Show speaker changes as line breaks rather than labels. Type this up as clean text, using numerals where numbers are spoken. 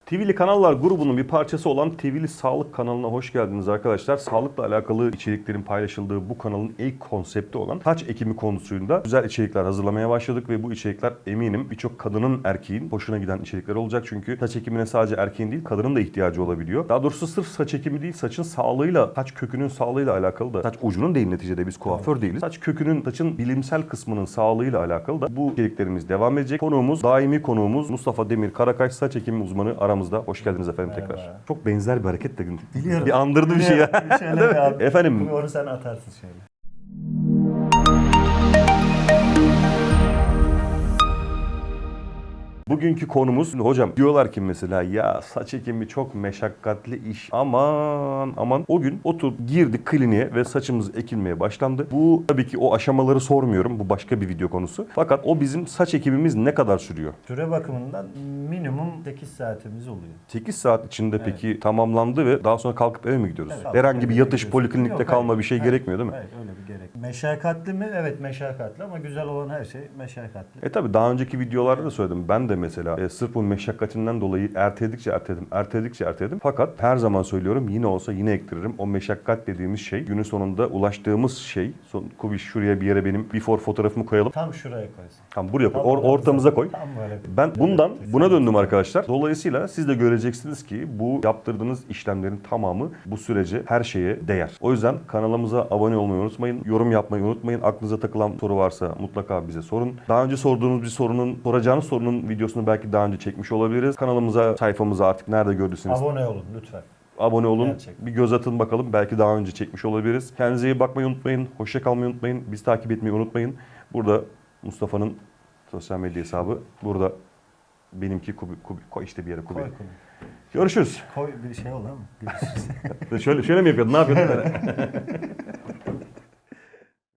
TV'li Kanallar grubunun bir parçası olan TV'li Sağlık kanalına hoş geldiniz arkadaşlar. Sağlıkla alakalı içeriklerin paylaşıldığı bu kanalın ilk konsepti olan saç ekimi konusunda güzel içerikler hazırlamaya başladık ve bu içerikler eminim birçok kadının, erkeğin hoşuna giden içerikler olacak. Çünkü saç ekimine sadece erkeğin değil kadının da ihtiyacı olabiliyor. Daha doğrusu sırf saç ekimi değil, saçın sağlığıyla, saç kökünün sağlığıyla alakalı da, saç ucunun değil neticede, biz kuaför değiliz. Saç kökünün, saçın bilimsel kısmının sağlığıyla alakalı da bu içeriklerimiz devam edecek. Konuğumuz, daimi konuğumuz Mustafa Demir Karakaş, saç ekimi uzmanı aramızda. Hoş geldiniz efendim.
Merhaba.
Tekrar. Çok benzer bir hareket de
Biliyorum.
bir andırdı bir şey ya.
Şöyle bir an.
Efendim.
Onu sen atarsın şöyle.
Bugünkü konumuz, hocam diyorlar ki mesela ya saç ekimi çok meşakkatli iş. Aman o gün girdik kliniğe ve saçımız ekilmeye başlandı. Bu tabii ki o aşamaları sormuyorum. Bu başka bir video konusu. Fakat o bizim saç ekimimiz ne kadar sürüyor?
Süre bakımından minimum 8 saatimiz oluyor.
8 saat içinde peki tamamlandı ve daha sonra kalkıp eve mi gidiyoruz?
Evet,
Herhangi bir
eve
yatış
gidiyorsun.
poliklinikte
Yok,
kalma
hayır.
bir şey
Hayır.
gerekmiyor değil mi?
Hayır, öyle bir gerek. Meşakkatli mi? Evet meşakkatli ama güzel olan her şey meşakkatli.
Tabi daha önceki videolarda da söyledim. Ben de mesela sırf bu meşakkatinden dolayı erteledim. Fakat her zaman söylüyorum, yine olsa yine ektiririm. O meşakkat dediğimiz şey, günün sonunda ulaştığımız şey. Kubiş, şuraya bir yere benim before fotoğrafımı koyalım.
Tam şuraya koysun.
Tam buraya koy.
Tam
Ortamıza koy.
Tam böyle.
Ben buna döndüm arkadaşlar. Dolayısıyla siz de göreceksiniz ki bu yaptırdığınız işlemlerin tamamı bu sürece, her şeye değer. O yüzden kanalımıza abone olmayı unutmayın. Yorum yapmayı unutmayın. Aklınıza takılan soru varsa mutlaka bize sorun. Daha önce sorduğunuz soracağınız sorunun videosunu belki daha önce çekmiş olabiliriz. Kanalımıza, sayfamıza artık nerede gördüyseniz
Abone olun lütfen.
abone olun.
Gerçekten.
Bir göz atın bakalım. Belki daha önce çekmiş olabiliriz. Kendinize iyi bakmayı unutmayın. Hoşça kalmayı unutmayın. Bizi takip etmeyi unutmayın. Burada Mustafa'nın sosyal medya hesabı. Burada benimki Kubi. Koy işte bir yere Kubi.
Koy.
Görüşürüz.
Koy bir şey olur mu? Görüşürüz.
Şöyle mi yapıyordun? Ne yapıyordun?